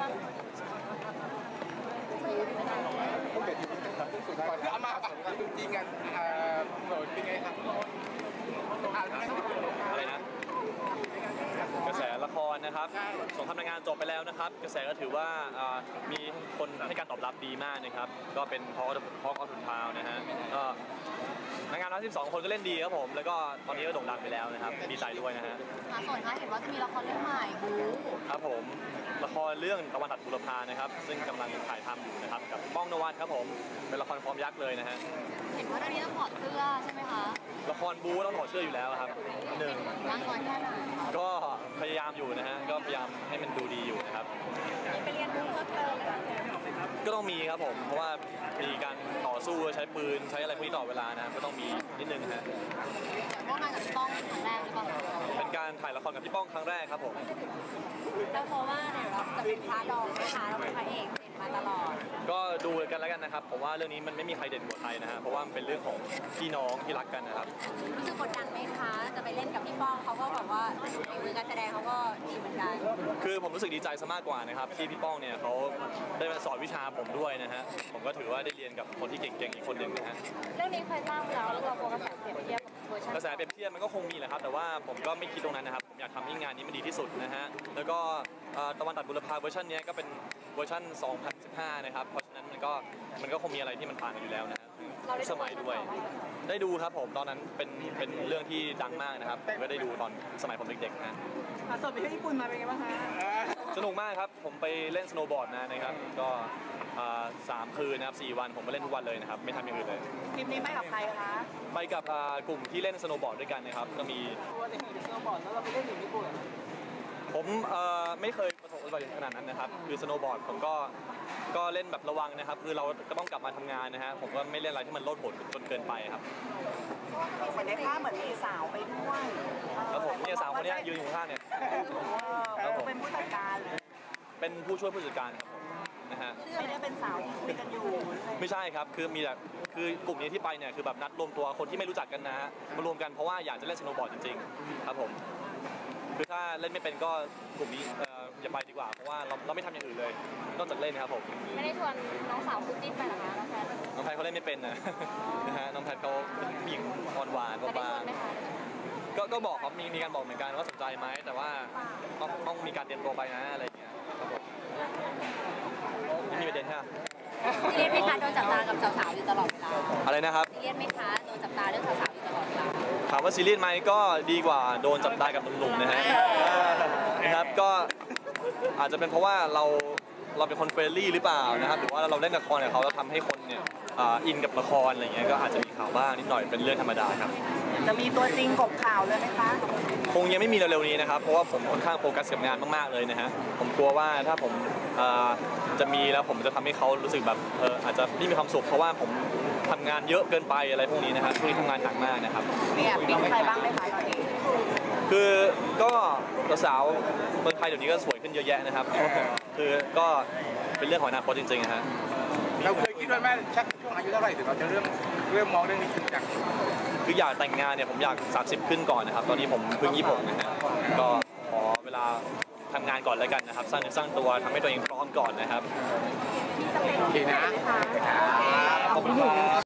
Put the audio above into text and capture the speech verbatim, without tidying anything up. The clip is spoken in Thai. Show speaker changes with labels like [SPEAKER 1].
[SPEAKER 1] ก่อนจะเอามาจริงกันโสดเป็นไงครับ
[SPEAKER 2] อะไรนะกระแสละครนะครับสงครามนางงามจบไปแล้วนะครับกระแสก็ถือว่ามีคนให้การตอบรับดีมากนะครับก็เป็นเพราะเพราะออทุนทาวนะฮะก็นางงามทั้งสิบสองคนก็เล่นดีครับผมแล้วก็ตอนนี้ก็โด่งดังไปแล้วนะครับดีใจด้วยนะฮะ
[SPEAKER 3] ค่ะส่วนท้ายเห็นว่าจะมีละครเรื่องใหม่บู๊
[SPEAKER 2] ครับผมละครเรื่องตะวันตัดบุรพานะครับซึ่งกำลังถ่ายทำอยู่นะครับกับป้องนวัดครับผมเป็นละครฟอร์มยักษ์เลยนะฮะ
[SPEAKER 3] เห็นว่าเรื่องนี้ต้องถอดเสื้อใช่ไหมคะ
[SPEAKER 2] ละครบู๊ต้องถอดเสื้ออยู่แล้วครับหนึ่ง
[SPEAKER 3] ร่างกายแค่ไหน
[SPEAKER 2] ก็พยายามอยู่นะฮะก็พยายามให้มันดูดีอยู่นะครับ
[SPEAKER 3] ไปเรียนรู้เพิ่มเติม
[SPEAKER 2] ก็ต้องมีครับผมเพราะว่ามีการต่อสู้ใช้ปืนใช้อะไรพวกนี้ต่อเวลานะก็ต้องมีนิดนึงนะฮะ
[SPEAKER 3] ร่วมงานกับพี่ป้องครั้งแรกหรือเปล่า
[SPEAKER 2] เป็นการถ่ายละครกับพี่ป้องครั้งแรกครับผม
[SPEAKER 3] แล้วเพราะว่าเนี่ยเราจะเป็นพระรองนะคะเราเป็นพระเอกมาตลอด
[SPEAKER 2] ก็ดูกันแล้วกันนะครับผมว่าเรื่องนี้มันไม่มีใครเด่นกว่าใครนะฮะเพราะว่ามันเป็นเรื่องของพี่น้องที่รักกันนะครับ
[SPEAKER 3] รู้สึกกดดันไหมคะจะไปเล่นกับพี่ป้องเขาก็แบบว่าฝีมือการแสดงเขาก็ดีเหมือนกัน
[SPEAKER 2] คือผมรู้สึกดีใจซะมากกว่านะครับที่พี่ป้องเนี่ยเขาได้มาสอนวิชาผมด้วยนะฮะผมก็ถือว่าได้เรียนกับคนที่เก่งๆอีกคนหนึ่งนะฮะ
[SPEAKER 3] เรื่องนี้เคยเล่าแล้วแล้วเราโฟกัสเปรียบเทียบเวอร์ชัน
[SPEAKER 2] กระแสเปรียบเทียบมันก็คงมีแหละครับแต่ว่าผมก็ไม่คิดตรงนั้นนะครับผมอยากทำให้งานนี้มันดีที่สุดนะฮะแล้วก็ตะวันตัดบุรพาเวอร์ชันนี้ก็เป็นเวอร์ชันสองพันสิบห้านะครับเพราะฉะนั้นมันก็มันก็คงมีอะไรที่มันผ่านกันอยู่แล้วนะฮะสมัยด้วยได้ดูครับผมตอนนั้นเป็นเป็นเรื่องที่ดังมากนะครับผมก็ได้ดูตอนสมัยผมเด็กๆนะ
[SPEAKER 3] สดไปที่ญี่ปุ่นมาเป็นไงบ้างคะ
[SPEAKER 2] สนุกมากครับผมไปเล่นสโนว์บอร์ดมานะครับก็สามคืนนะครับสี่วันผมมาเล่นทุกวันเลยนะครับไม่ทำอย่างอื่นเลย
[SPEAKER 3] ทริปนี้ไปกับใครคะ
[SPEAKER 2] ไปกับกลุ่มที่เล่นสโนว์บอร์ดด้วยกันนะครับก็มี
[SPEAKER 3] ตัวเด็กๆสโนว์บอร์ดแล้วเราไปเล่นอยู่ญี่ปุ่น
[SPEAKER 2] ผมไม่เคยประสบอุบัติเหตุขนาดนั้นนะครับคือสโนว์บอร์ดผมก็ก็เล่นแบบระวังนะครับคือเราก็ต้องกลับมาทำงานนะฮะผมก็ไม่เล่นอะไรที่มันโลดโผนจนเกินไปครับ
[SPEAKER 3] เหมือนในภาพเหมือนมีสาวไปด้วย
[SPEAKER 2] ครับผมเนี่ยสาวคนนี้ยืนอยู่ข้างเนี่ย
[SPEAKER 3] เป็นผู้จัดการเลย
[SPEAKER 2] เป็นผู้ช่วยผู้จัดการนะฮะ
[SPEAKER 3] ไม่ได้เป็นสาวที่คุยกันอยู่
[SPEAKER 2] ไม่ใช่ครับคือมีแต่คือกลุ่มนี้ที่ไปเนี่ยคือแบบนัดรวมตัวคนที่ไม่รู้จักกันนะฮะมารวมกันเพราะว่าอยากจะเล่นสโนว์บอร์ดจริงๆครับผมคือถ้าเล่นไม่เป็นก็กลุ่มนี้อย่าไปดีกว่าเพราะว่าเราเราไม่ทำอย่างอื่นเลยนอกจากเล่นนะครับผม
[SPEAKER 3] ไม่ได้ชวนน้องสาวคู่จิ้นไปหรอคะน้องแพท
[SPEAKER 2] น้องแพทเขาเล่นไม่เป็นนะนะฮะน้องแพทเขาเป็นผู้หญิงอ่อนหวานบางๆก็ก็บอกเขามีมีการบอกเหมือนกันว่าสนใจไหมแต่ว่าต้องต้องมีการเตรียมตัวไปนะอะไรอย่างเงี้ยครับผมไม่มีประเด็นใช่ไหม
[SPEAKER 3] ซีเรียสไหมคะโดนจับตากับสาวๆอยู่ตลอดเวลา
[SPEAKER 2] อะไรนะครับ
[SPEAKER 3] ซีเรียสไหมคะโดนจับตาเรื่องสาวๆอยู่ตลอดเวลา
[SPEAKER 2] ถามว่าซีเรียสไหมก็ดีกว่าโดนจับตากับหนุ่มๆนะฮะนะครับก็อาจจะเป็นเพราะว่าเราเราเป็นคนเฟรนลี่หรือเปล่านะครับหรือว่าเราเล่นละครกับเขาเราทำให้คนเนี่ยอินกับละครอะไรเงี้ยก็อาจจะมีข่าวบ้างนิดหน่อยเป็นเรื่องธรรมดาครับ
[SPEAKER 3] จะมีตัวจริงกบข่าวเลยไหมคะ
[SPEAKER 2] คงยังไม่มีเร็วๆนี้นะครับเพราะว่าผมค่อนข้างโฟกัสกับงานมากๆเลยนะฮะผมกลัวว่าถ้าผมจะมีแล้วผมจะทำให้เขารู้สึกแบบเอออาจจะไม่มีความสุขเพราะว่าผมทำงานเยอะเกินไปอะไรพวกนี้นะครับช่วงนี้ทำงานหนักมากนะครับ
[SPEAKER 3] มีแอบปิ๊งใครบ้างไหมคะตอนนี้
[SPEAKER 2] คือก็สาวเมืองไทยเดี๋ยวนี้ก็สวยขึ้นเยอะแยะนะครับคือก็เป็นเรื่องของอนาคตจริงๆนะฮะ
[SPEAKER 1] เราเคยคิดว่าแม่ชักช่วงอายุเท่าไหร่ถึงเราจะเริ่มเริ่มมองเรื่องนี้จริงจัง
[SPEAKER 2] คืออยากแต่งงานเนี่ยผมอยากสามสิบขึ้นก่อนนะครับตอนนี้ผมเพิ่งยี่สิบหกนะฮะก็ขอเวลาทำงานก่อนแล้วกันนะครับสร้างเนื้อสร้างตัวทำให้ตัวเองพร้อมก่อนนะครับ
[SPEAKER 3] โอเคนะ
[SPEAKER 2] ขอบคุณครับ